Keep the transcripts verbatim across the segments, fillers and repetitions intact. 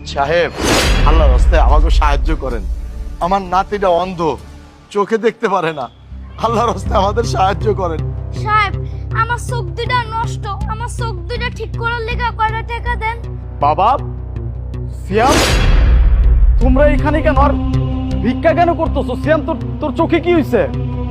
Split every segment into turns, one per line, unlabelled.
সাহেব, আল্লাহর রাস্তায় আমাকে সাহায্য করেন। আমার নাতিটা অন্ধ, চোখে দেখতে পারে না। আল্লাহর রাস্তায় আমাদের সাহায্য করেন।
সাহেব, আমার চোখ দুটা নষ্ট, আমার চোখ দুটা ঠিক করার লেগে কয়টা টাকা দেন।
বাবা, সিয়াম, তোমরা এখানে কেন আর ভিক্ষা কেন করতেছো? সিয়াম, তোর তোর চোখে কি হয়েছে?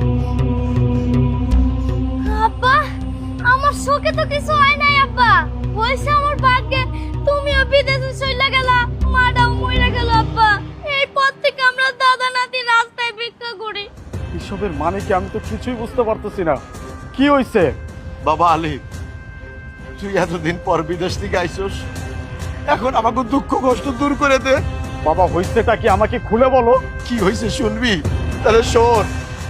আব্বা, আমার চোখে তো কিছু হয় নাই আব্বা। হয়েছে আমার ভাগ্যে, তুমিও বিদেশে চলে গেলা, মাটাও মরে গেল আব্বা। এরপর থেকে আমরা দাদা নাতি রাস্তায় ভিক্ষা করি।
এসবের মানে কি? আমি তো কিছুই বুঝতে পারতেছি না। কি হয়েছে?
বাবা আলী, তুই এতদিন পর বিদেশ থেকে আইসোস, এখন আমাকে দুঃখ কষ্ট দূর করে দে।
বাবা, হয়েছেটা কি আমাকে খুলে বলো।
কি হয়েছে শুনবি? তাহলে শোন।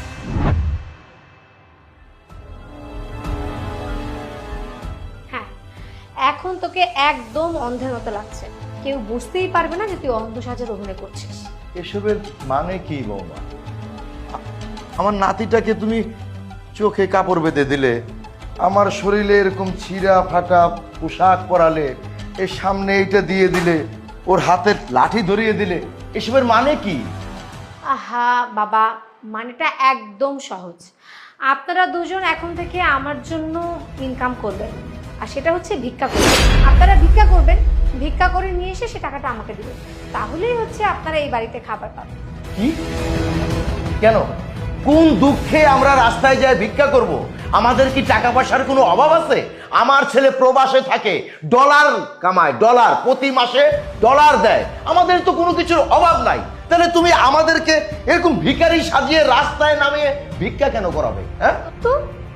হ্যাঁ, এখন তোকে একদম অন্ধের মতো লাগছে। কেউ বুঝতেই পারবে না যে তুই অন্ধ সাজার অভিনয় করছিস।
এসবের মানে কি বৌমা? আমার নাতিটাকে তুমি চোখে কাপড় বেঁধে দিলে, আমার শরীরে এরকম ছিঁড়া ফাটা পোশাক পরালে, এর সামনে এইটা দিয়ে দিলে, ওর হাতের লাঠি ধরিয়ে দিলে, এসবের মানে কি?
আহা বাবা, মানেটা একদম সহজ। আপনারা দুজন এখন থেকে আমার জন্য ইনকাম করবেন, আর সেটা হচ্ছে ভিক্ষা করবেন। আপনারা ভিক্ষা করবেন, ভিক্ষা করে নিয়ে এসে সে টাকাটা আমাকে দিবেন। তাহলেই হচ্ছে আপনারা এই বাড়িতে খাবার পাবেন।
কি? কেন? কোন দুঃখে আমরা রাস্তায় যাই ভিক্ষা করব? আমাদের কি টাকা পয়সার কোনো অভাব আছে? আমার ছেলে প্রবাসে থাকে, ডলার কামায়, ডলার প্রতি মাসে ডলার দেয়। আমাদের তো কোনো কিছুর অভাব নাই। তাহলে তুমি আমাদেরকে এরকম ভিখারি সাজিয়ে রাস্তায় নামিয়ে ভিক্ষা কেন করাবে? হ্যাঁ,
তো